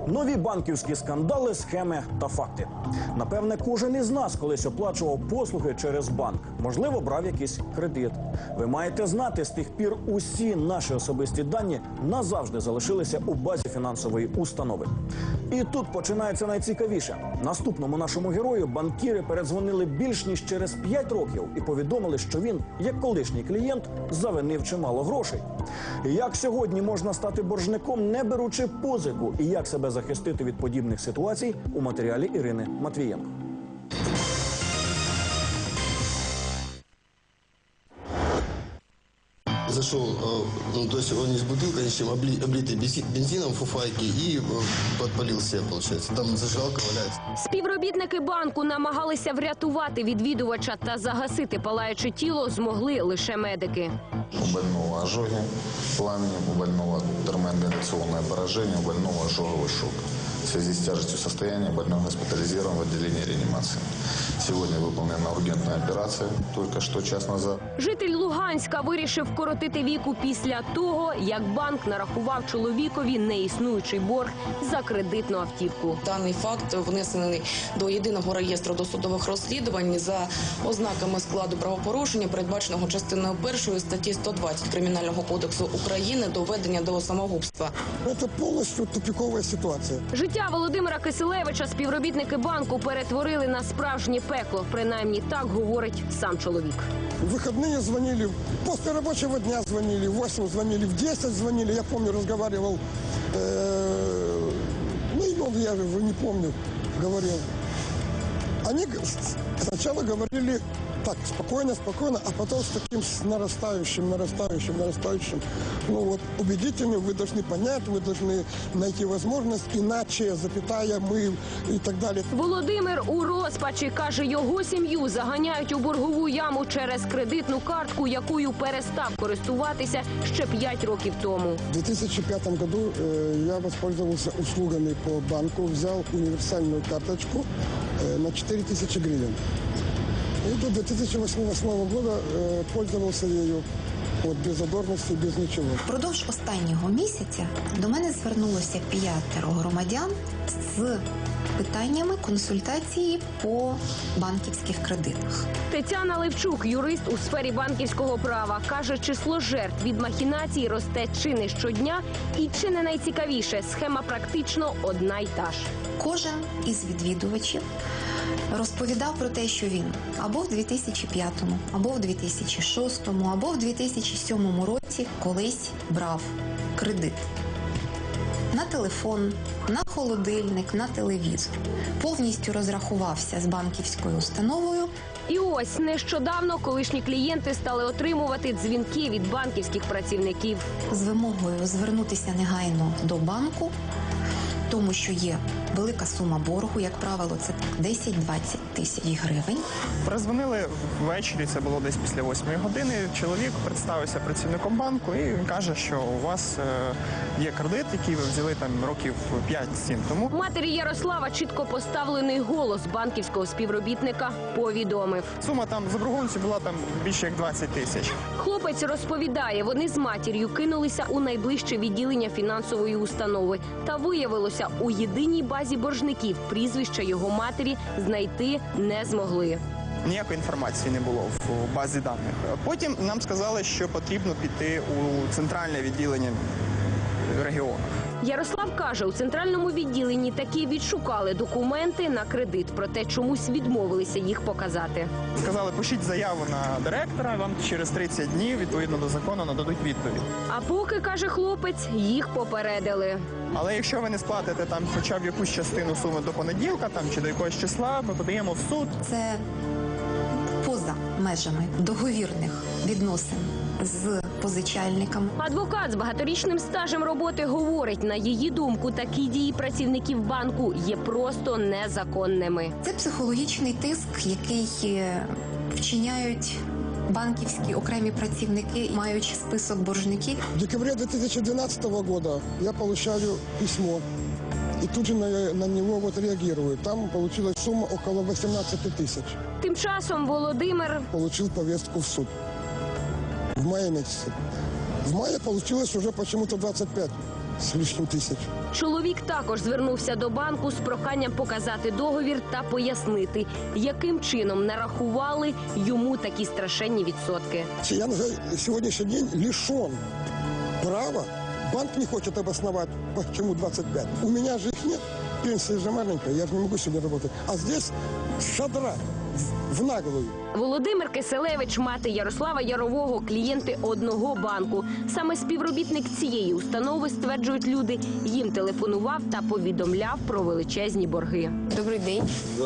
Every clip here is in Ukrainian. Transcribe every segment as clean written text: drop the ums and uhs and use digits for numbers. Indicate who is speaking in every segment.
Speaker 1: Нові банківські скандали, схеми та факти. Напевне, кожен із нас колись оплачував послуги через банк. Можливо, брав якийсь кредит. Ви маєте знати, з тих пір усі наші особисті дані назавжди залишилися у базі фінансової установи. І тут починається найцікавіше. Наступному нашому герою банкіри передзвонили більш ніж через 5 років і повідомили, що він, як колишній клієнт, завинив чимало грошей. Як сьогодні можна стати боржником, не беручи позику, і як себе захистити від подібних ситуацій, у матеріалі Ірини Матвієнко.
Speaker 2: Зашел, то есть он не с бутылкой, ничем, облитый бензином, фуфайки и подпалил себя, получается. Там зажигалка валяется.
Speaker 3: Співробітники банку намагалися врятувати відвідувача та загасити палаюче тіло змогли лише медики.
Speaker 4: У больного ожоги пламенем, у больного термоингаляционное поражение, у больного ожоговый шок. В связи с тяжестью состояния больной госпитализирован в отделении реанимации. Сегодня выполнена ургентная операция, только что час назад.
Speaker 3: Житель Луганська вирішив вкоротити віку після того, як банк нарахував чоловікові неіснуючий борг за кредитну автівку.
Speaker 5: Даний факт внесений до єдиного реєстру досудових розслідувань за ознаками складу правопорушення, передбаченого частиною 1 статті 120 Кримінального кодексу України, доведення до самогубства.
Speaker 6: Це повністю тупікова ситуація.
Speaker 3: Життя Володимира Киселевича співробітники банку перетворили на справжнє пекло. Принаймні так говорить сам чоловік.
Speaker 6: В выходные звонили, после рабочего дня звонили, в 8 звонили, в 10 звонили. Я помню, разговаривал, я уже не помню, говорил. Они сначала говорили так, спокойно, спокойно, а потом с таким нарастающим. Ну вот, убедительным, вы должны понять, вы должны найти возможность, иначе, запятая, мы и так далі.
Speaker 3: Володимир у розпачі, каже, його сім'ю заганяють у боргову яму через кредитну картку, якою перестав користуватися ще 5 років тому.
Speaker 6: В 2005 году я воспользовался услугами по банку, взял универсальную карточку на 4000 гривен. И до 2008 года пользовался ею без задорності, без нічого.
Speaker 7: Впродовж останнього місяця до мене звернулося 5 громадян з питаннями консультації по банківських кредитах.
Speaker 3: Тетяна Левчук, юрист у сфері банківського права, каже, число жертв від махінацій росте чи не щодня, і чи не найцікавіше, схема практично одна й та ж.
Speaker 7: Кожен із відвідувачів розповідав про те, що він або в 2005, або в 2006, або в 2007 році колись брав кредит. На телефон, на холодильник, на телевізор. Повністю розрахувався з банківською установою.
Speaker 3: І ось нещодавно колишні клієнти стали отримувати дзвінки від банківських працівників.
Speaker 7: З вимогою звернутися негайно до банку, тому що є велика сума боргу, як правило, це 10-20 тисяч гривень.
Speaker 8: Перезвонили ввечері, це було десь після 8 години. Чоловік представився працівником банку і він каже, що у вас є кредит, який ви взяли там років 5-7 тому.
Speaker 3: Матері Ярослава чітко поставлений голос банківського співробітника повідомив.
Speaker 8: Сума там заборгованості була там більше як 20 тисяч.
Speaker 3: Хлопець розповідає, вони з матір'ю кинулися у найближче відділення фінансової установи. Та виявилося, у єдиній базі боржників прізвища його матері знайти не змогли.
Speaker 8: Ніякої інформації не було в базі даних. Потім нам сказали, що потрібно піти у центральне відділення регіону.
Speaker 3: Ярослав каже, у центральному відділенні таки відшукали документи на кредит, проте чомусь відмовилися їх показати.
Speaker 8: Сказали, пишіть заяву на директора, вам через 30 днів, відповідно до закону, нададуть відповідь.
Speaker 3: А поки, каже хлопець, їх попередили.
Speaker 8: Але якщо ви не сплатите там хоча б якусь частину суми до понеділка там, чи до якогось числа, ми подаємо в суд.
Speaker 7: Це поза межами договірних відносин з позичальником.
Speaker 3: Адвокат з багаторічним стажем роботи говорить, на її думку, такі дії працівників банку є просто незаконними.
Speaker 7: Це психологічний тиск, який вчиняють банківські окремі працівники, маючи список боржників.
Speaker 6: В декабре 2012 года я получаю письмо. И тут же на него вот реагирую. Там получилась сумма около 18 тысяч.
Speaker 3: Тим часом Володимир
Speaker 6: получил повестку в суд. В мае месяце. В мае получилось уже почему-то 25. с лишним тысяч.
Speaker 3: Чоловік також звернувся до банку з проханням показати договір та пояснити, яким чином нарахували йому такі страшенні відсотки.
Speaker 6: Я на сегодняшний день лишен права. Банк не хочет обосновать, почему 25. У меня же их нет. Пенсия же маленькая, я же не могу себе работать. А здесь шадра в наглую.
Speaker 3: Володимир Киселевич, мати Ярослава Ярового, клієнти одного банку. Саме співробітник цієї установи, стверджують люди, їм телефонував та повідомляв про величезні борги.
Speaker 9: Добрий день.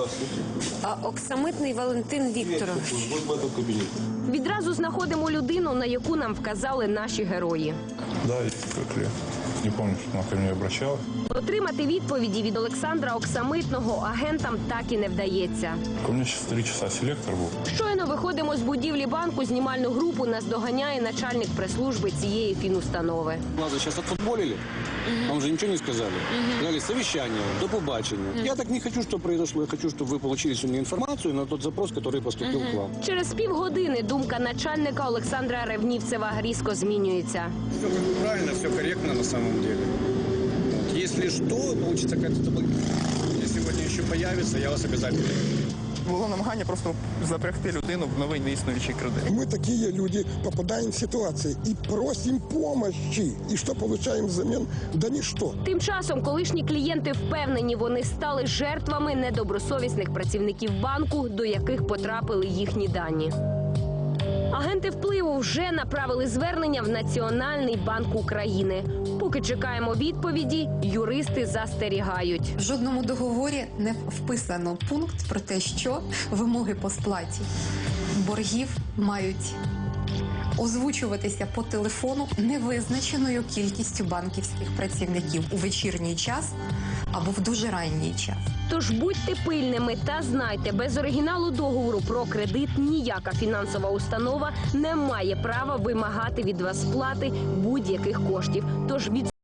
Speaker 9: Оксамитний Валентин Вікторович.
Speaker 3: Відразу знаходимо людину, на яку нам вказали наші герої.
Speaker 10: Да, есть такой клиент. Не помню, что она ко мне обращалась.
Speaker 3: Отримати відповіді від Олександра Оксамитного агентам так і не вдається.
Speaker 10: У меня сейчас 3 часа селектор был.
Speaker 3: Щойно виходимо з будівлі банку, знімальну групу нас доганяє начальник прес-служби цієї фінустанови.
Speaker 11: Нас сейчас отфутболили, нам же ничего не сказали. Сказали совещание, до побачення. Я так не хочу, чтобы произошло. Я хочу, чтобы вы получили сегодня информацию на тот запрос, который поступил к вам.
Speaker 3: Через півгодини думка начальника Олександра Ревнівцева різко змінюється.
Speaker 11: Все правильно, все корректно на самом деле. Вот. Если что, получится какая-то если сегодня еще появится, я вас обязательно.
Speaker 8: Було намагання просто запрягти людину в новий неіснуючий кредит.
Speaker 6: Мы такие люди попадаем в ситуации и просим помощи. И что получаем взамен? Да ничто.
Speaker 3: Тим часом колишні клієнти впевнені, вони стали жертвами недобросовісних працівників банку, до яких потрапили їхні дані. Агенти впливу вже направили звернення в Національний банк України. Поки чекаємо відповіді, юристи застерігають.
Speaker 7: В жодному договорі не вписано пункт про те, що вимоги по сплаті боргів мають озвучуватися по телефону невизначеною кількістю банківських працівників у вечірній час або в дуже ранній час.
Speaker 3: Тож будьте пильними та знайте, без оригіналу договору про кредит ніяка фінансова установа не має права вимагати від вас сплати будь-яких коштів. Тож від